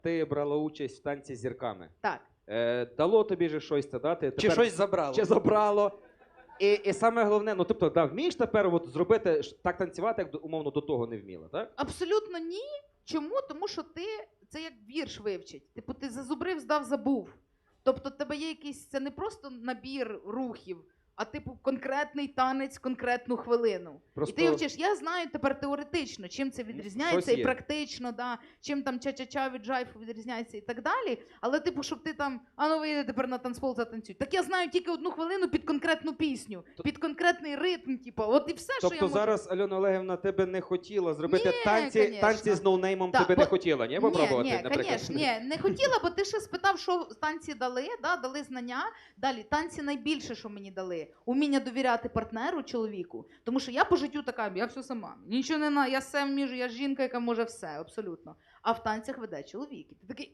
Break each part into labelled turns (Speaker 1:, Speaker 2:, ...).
Speaker 1: Ти брала участь в танці з зірками.
Speaker 2: Так.
Speaker 1: Дало тобі же щось це дати?
Speaker 3: Чи щось забрало?
Speaker 1: Чи забрало? І саме головне, ну тобто, да, вмієш тепер от зробити так танцювати, як умовно до того не вміла, так?
Speaker 2: Абсолютно ні. Чому? Тому що ти це як вірш вивчить. Типу, ти зазубрив, здав, забув. Тобто, в тебе є якийсь, це не просто набір рухів, а типу конкретний танець, конкретну хвилину.
Speaker 1: Просто...
Speaker 2: І ти вчиш, я знаю тепер теоретично, чим це відрізняється, і практично, да, чим там ча-ча-ча від джайфу відрізняється і так далі. Але типу, щоб ти там, а ну вийди тепер на танцпол, затанцюй. Так я знаю тільки 1 хвилину під конкретну пісню, під конкретний ритм, типу, от і все,
Speaker 1: тобто
Speaker 2: що я можу.
Speaker 1: зараз Альона Олегівна тебе не хотіла зробити
Speaker 2: Ні,
Speaker 1: танці з ноунеймом, тебе не хотіла, ні? Попробувати, наприклад?
Speaker 2: Ні, не хотіла, бо ти ще спитав, що танці дали, да, дали знання. Далі, танці найбільше, що мені дали. Уміння довіряти партнеру, чоловіку. Тому що я по життю така, я все сама. Нічого не на, я все вміжу, я жінка, яка може все, абсолютно. А в танцях веде чоловік. І ти такий,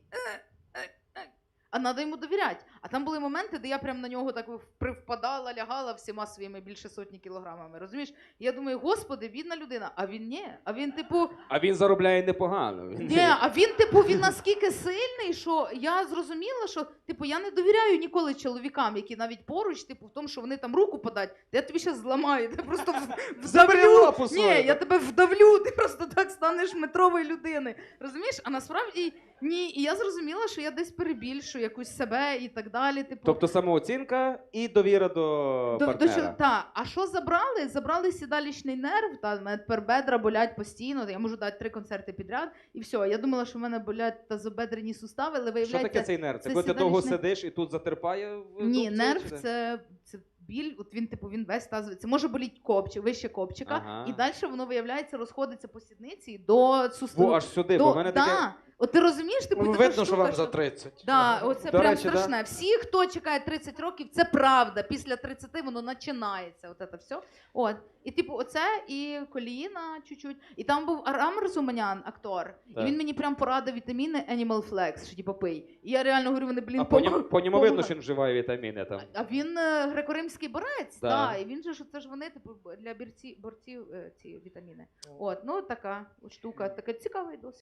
Speaker 2: а треба йому довіряти. А там були моменти, де я прям на нього так привпадала, лягала всіма своїми більше сотні кілограмами. Розумієш? І я думаю, господи, бідна людина. А він ні. А він, типу...
Speaker 1: А він заробляє непогано.
Speaker 2: Ні, а він, типу, він наскільки сильний, що я зрозуміла, що, типу, я не довіряю ніколи чоловікам, які навіть поруч, типу, в тому, що вони там руку подають, я тобі зараз зламаю, ти просто вдавлю. Ні, я тебе вдавлю, ти просто так станеш метровою людиною. Розумієш? А насправді ні. І я зрозуміла, що я десь перебільшую якусь себе і так далі. Типу.
Speaker 1: Тобто самооцінка і довіра до партнера.
Speaker 2: Так. А що забрали? Забрали сідалічний нерв, та, в мене тепер бедра болять постійно, я можу дати 3 концерти підряд, і все. Я думала, що в мене болять тазобедрені сустави, але виявляється...
Speaker 1: Що таке цей нерв? Це коли ти довго сидиш і тут затерпає?
Speaker 2: Ні, нерв – це біль, от він, типу, він весь тазовий. Це може боліти копчик, вище копчика, і далі воно, виявляється, розходиться по сідниці до суставу.
Speaker 1: Аж сюди, бо в мене таке...
Speaker 2: От ти розумієш, типу, така
Speaker 3: видно,
Speaker 2: штука,
Speaker 3: що вам за 30.
Speaker 2: Да, оце
Speaker 1: До
Speaker 2: прям
Speaker 1: речі,
Speaker 2: страшне. Всі, хто чекає 30 років, це правда. Після 30 воно починається. От це все. От. І типу, оце і коліна чуть-чуть. І там був Арам Расуманян, актор.
Speaker 1: Так.
Speaker 2: І він мені прям порадив вітаміни Animal Flex, що типу пий. І я реально говорю, вони, блін,
Speaker 1: А по ньому видно, що він вживає вітаміни там.
Speaker 2: А він греко-римський борець,
Speaker 1: Да.
Speaker 2: да. І він же, що це ж вони, типу, для борців ці вітаміни. От, ну така от штука, така цікавий досвід.